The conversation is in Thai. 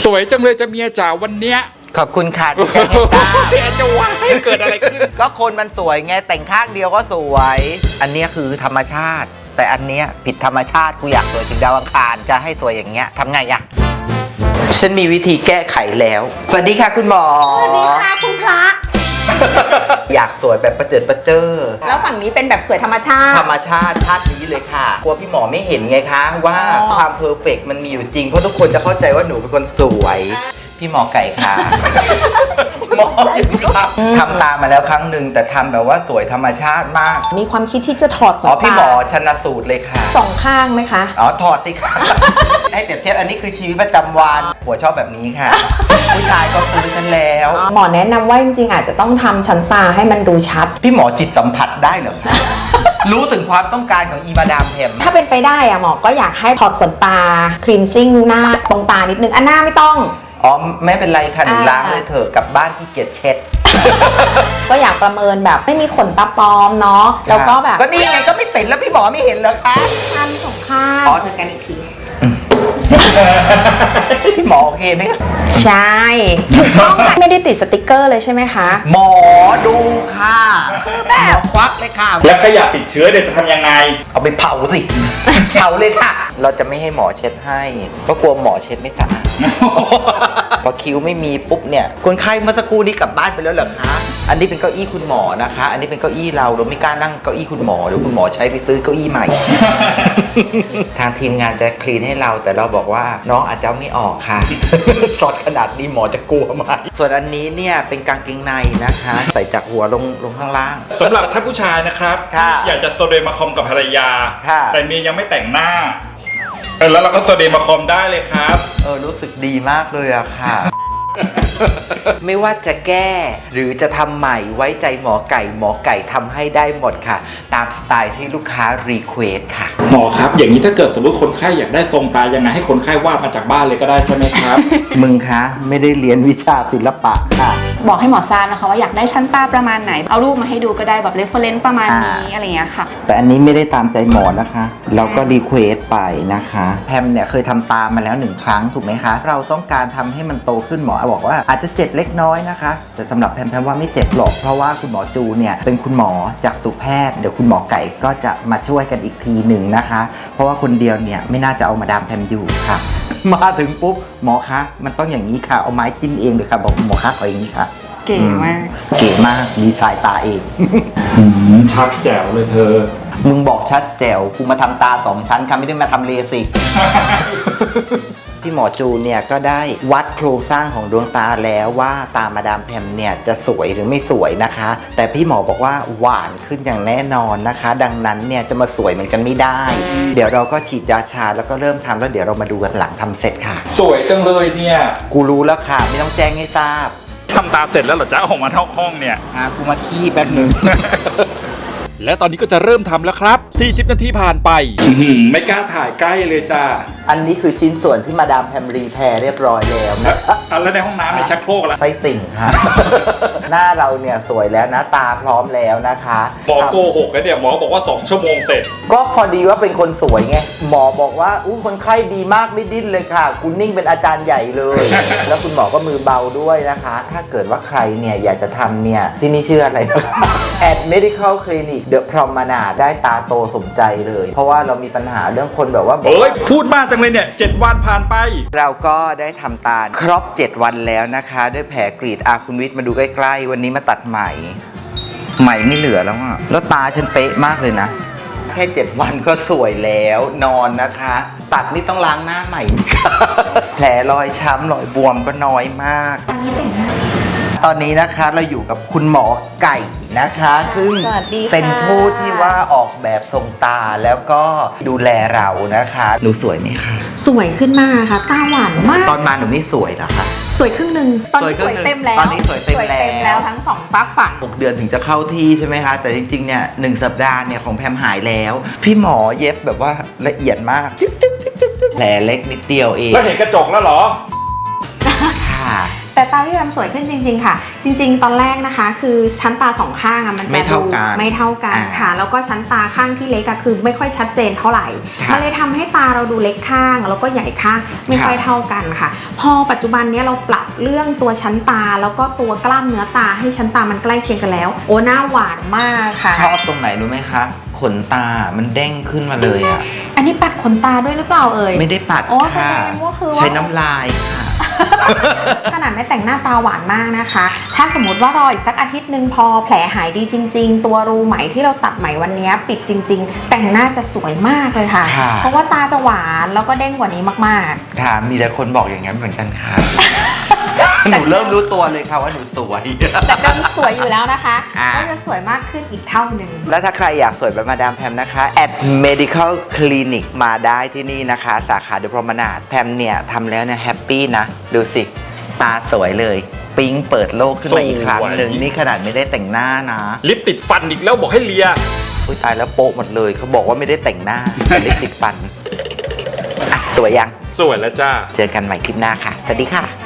วยจังเลยจะเมียจ๋าวันเนี้ยขอบคุณค่ะที่จะเห็นตาจะว่าให้เกิดอะไรขึ้นก็คนมันสวยไงแต่งข้างเดียวก็สวย อันนี้คือธรรมชาติแต่อันเนี้ยผิดธรรมชาติกูอยากสวยถึงดาวอังคารจะให้สวยอย่างเงี้ยทำไงอะฉันมีวิธีแก้ไขแล้วสวัสดีค่ะคุณหมอสวัสดีค่ะคุณพระอยากสวยแบบประเจิดประเจ้อแล้วฝั่งนี้เป็นแบบสวยธรรมชาติธรรมชาติชาตินี้เลยค่ะกลัวพี่หมอไม่เห็นไงคะว่าความเพอร์เฟกต์มันมีอยู่จริงเพราะทุกคนจะเข้าใจว่าหนูเป็นคนสวยพี่หมอไก่ค่ะหมอครับทำตามาแล้วครั้งหนึ่งแต่ทำแบบว่าสวยธรรมชาติมากมีความคิดที่จะถอดขนตาพี่หมอชันสูตรเลยค่ะ 2 ข้างไหมคะถอดสิค่ะให้เปรียบเทียบอันนี้คือชีวิตประจำวันหัวชอบแบบนี้ค่ะผู้ชายก็ซื้อฉันแล้วหมอแนะนำว่าจริงๆอาจจะต้องทำชั้นตาให้มันดูชัดพี่หมอจิตสัมผัสได้เหรอคะรู้ถึงความต้องการของอีมาดามแพมถ้าเป็นไปได้อะหมอก็อยากให้ถอดขนตาคลีนซิ่งหน้าตรงตานิดนึงอันหน้าไม่ต้องไม่เป็นไรค่ะหนูล้างเลยเถอะกลับบ้านที่เกียจเช็ดก็อยากประเมินแบบไม่มีขนตาปลอมเนาะแล้วก็แบบก็นี่ไงก็ไม่ติดแล้วพี่หมอไม่เห็นเหรอคะข้าง2 ข้างเหมือนกันอีกทีพี่หมอโอเคไหมใช่ไม่ได้ติดสติกเกอร์เลยใช่ไหมคะหมอดูค่ะหมอควักเลยค่ะแล้วขยะติดเชื้อเดี๋ยวจะทำยังไงเอาไปเผาสิเผาเลยค่ะเราจะไม่ให้หมอเช็ดให้เพราะกลัวหมอเช็ดไม่สะอาดพอคิ้วไม่มีปุ๊บเนี่ยคนไข้เมื่อสักครู่นี้กลับบ้านไปแล้วเหรอคะอันนี้เป็นเก้าอี้คุณหมอนะคะอันนี้เป็นเก้าอี้เราไม่กล้านั่งเก้าอี้คุณหมอเดี๋ยวคุณหมอใช้ไปซื้อเก้าอี้ใหม่ทางทีมงานจะคลีนให้เราแต่เราบอกว่าน้องอาจจะไม่ออกค่ะสดขนาดนี้หมอจะกลัวไหมส่วนอันนี้เนี่ยเป็นกางเกงในนะคะใส่จากหัวลงข้างล่างสำหรับท่านผู้ชายนะครับอยากจะโซเดมาคอมกับภรรยาแต่เมียยังไม่แต่งหน้าแล้วเราก็โซเดมาคอมได้เลยครับรู้สึกดีมากเลยอะค่ะ ไม่ว่าจะแก้หรือจะทำใหม่ไว้ใจหมอไก่ทำให้ได้หมดค่ะตามสไตล์ที่ลูกค้ารีเควสค่ะหมอครับอย่างนี้ถ้าเกิดสมมติคนไข้อยากได้ทรงตายังไงให้คนไข้วาดมาจากบ้านเลยก็ได้ใช่ไหมครับมึงคะไม่ได้เรียนวิชาศิลปะค่ะบอกให้หมอทราบนะคะว่าอยากได้ชั้นตาประมาณไหนเอารูปมาให้ดูก็ได้แบบเรฟเฟอเรนซ์ประมาณนี้อะไรอย่างเงี้ยค่ะแต่อันนี้ไม่ได้ตามใจหมอนะคะเราก็รีเควสไปนะคะแพมเนี่ยเคยทำตามาแล้ว1 ครั้งถูกไหมคะเราต้องการทำให้มันโตขึ้นหมอบอกว่าอาจจะเจ็บเล็กน้อยนะคะแต่สำหรับแพมว่าไม่เจ็บหรอกเพราะว่าคุณหมอจูเนี่ยเป็นคุณหมอจากสุแพทย์เดี๋ยวคุณหมอไก่ก็จะมาช่วยกันอีกทีหนึ่งนะคะเพราะว่าคนเดียวเนี่ยไม่น่าจะเอามาดามแพมอยู่ค่ะมาถึงปุ๊บหมอคะมันต้องอย่างนี้ค่ะเอาไม้จิ้มเองเลยค่ะบอกหมอคะเอาอย่างนี้ค่ะเก๋มากเก๋มากดีสายตาเองชัดแจ๋วเลยเธอมึงบอกชัดแจ๋วกูมาทำตา2 ชั้นค่ะไม่ได้มาทำเลสิกพี่หมอจูเนี่ยก็ได้วัดโครงสร้างของดวงตาแล้วว่าตามาดามแพมเนี่ยจะสวยหรือไม่สวยนะคะแต่พี่หมอบอกว่าหวานขึ้นอย่างแน่นอนนะคะดังนั้นเนี่ยจะมาสวยเหมือนกันไม่ได้เดี๋ยวเราก็ฉีดยาชาแล้วก็เริ่มทำแล้วเดี๋ยวเรามาดูกันหลังทำเสร็จค่ะสวยจังเลยเนี่ยกูรู้แล้วค่ะไม่ต้องแจ้งให้ทราบทำตาเสร็จแล้วเหรอจ๊ะออกมาเท่าห้องเนี่ยกูมาขี้แป๊บนึงและตอนนี้ก็จะเริ่มทำแล้วครับ40 นาทีผ่านไปไม่กล้าถ่ายใกล้เลยจ้าอันนี้คือชิ้นส่วนที่มาดามแพมรีแพร์เรียบร้อยแล้วนะครับแล้วในห้องน้ำในชักโครกล่ะไส้ติ่งค่ะ หน้าเราเนี่ยสวยแล้วนะตาพร้อมแล้วนะคะหมอโกหกกันเนี่ยหมอบอกว่า2 ชั่วโมงเสร็จก็พอดีว่าเป็นคนสวยไงหมอบอกว่าคนไข้ดีมากไม่ดิ้นเลยค่ะคุณนิ่งเป็นอาจารย์ใหญ่เลย แล้วคุณหมอก็มือเบาด้วยนะคะถ้าเกิดว่าใครเนี่ยอยากจะทำเนี่ยที่นี่ชื่ออะไรนะคะแอด Medical Clinic The Promenade ได้ตาโตสมใจเลยเพราะว่าเรามีปัญหาเรื่องคนแบบว่าพูดมากจังเลยเนี่ย7 วันผ่านไปเราก็ได้ทำตาครบ7 วันแล้วนะคะด้วยแผลกรีดคุณวิทย์มาดูใกล้ๆวันนี้มาตัดใหม่ไม่เหลือแล้วอ่ะแล้วตาฉันเป๊ะมากเลยนะแค่7 วันก็สวยแล้วนอนนะคะตัดนี่ต้องล้างหน้าใหม่ แผลรอยช้ำรอยบวมก็น้อยมากตอนนี้นะคะเราอยู่กับคุณหมอไก่นะคะซึ่งเป็นผู้ที่ว่าออกแบบทรงตาแล้วก็ดูแลเรานะคะหนูสวยไหมคะสวยขึ้นมากค่ะตาหวานมากตอนมาหนูไม่สวยหรอคะสวยครึ่งนึงตอนนี้สวยเต็มแล้วตอนนี้สวยเต็มแล้วทั้ง2 ฝักฝั่ง 6 เดือนถึงจะเข้าที่ใช่ไหมคะแต่จริงๆเนี่ย1 สัปดาห์เนี่ยของแพมหายแล้วพี่หมอเย็บแบบว่าละเอียดมากแผลเล็กนิดเดียวเองแล้วเห็นกระจกแล้วเหรอค่ะแต่ตาพี่แบมสวยขึ้นจริงๆค่ะ จริงๆ ตอนแรกนะคะ คือชั้นตาสองข้างอะมันจะไม่เท่ากันไม่เท่ากันค่ะ แล้วก็ชั้นตาข้างที่เล็กอะคือไม่ค่อยชัดเจนเท่าไหร่ค่ะมันเลยทำให้ตาเราดูเล็กข้างแล้วก็ใหญ่ข้างไม่ค่อยเท่ากันค่ะ พอปัจจุบันเนี้ยเราปรับเรื่องตัวชั้นตาแล้วก็ตัวกล้ามเนื้อตาให้ชั้นตามันใกล้เคียงกันแล้ว โอ้หน้าหวานมากค่ะชอบตรงไหนรู้ไหมคะ ขนตามันเด้งขึ้นมาเลยอ่ะอันนี้ปัดขนตาด้วยหรือเปล่าเอ่ยไม่ได้ปัดโอ้แสค่ะดงว่าคือว่าใช้น้ำลายค่ะขนาดไม่แต่งหน้าตาหวานมากนะคะ ถ้าสมมติว่ารออีกสักอาทิตย์หนึ่งพอแผลหายดีจริง ๆ ตัวรูไหมที่เราตัดไหมวันนี้ปิดจริง ๆ แต่งหน้าจะสวยมากเลยค่ะค่ะเพราะว่าตาจะหวานแล้วก็เด้งกว่านี้มากๆค่ะ มีแต่คนบอกอย่างนั้นเหมือนกันค่ะ หนูเริ่มรู้ตัวเลยค่ะว่าหนูสวยแต่ก็สวยอยู่แล้วนะคะอ่าก็จะสวยมากขึ้นอีกเท่าหนึ่งแล้วถ้าใครอยากสวยแบบมาดามแพมนะคะ at medical clinic มาได้ที่นี่นะคะ สาขาเดอะพรอมนาดแพมเนี่ยทำแล้วเนี่ยแฮปปี้นะ ดูสิ ตาสวยเลย ปิ๊งเปิดโลกขึ้นมาอีกครั้งหนึ่งสวยนี่ขนาดไม่ได้แต่งหน้านะลิปติดฟันอีกแล้วบอกให้เลียอุ้ยตายแล้วโป๊ะหมดเลย เขาบอกว่าไม่ได้แต่งหน้า แต่ลิปติดฟันอ่ะสวยยังสวยแล้วจ้าเจอกันใหม่คลิปหน้าค่ะ สวัสดีค่ะ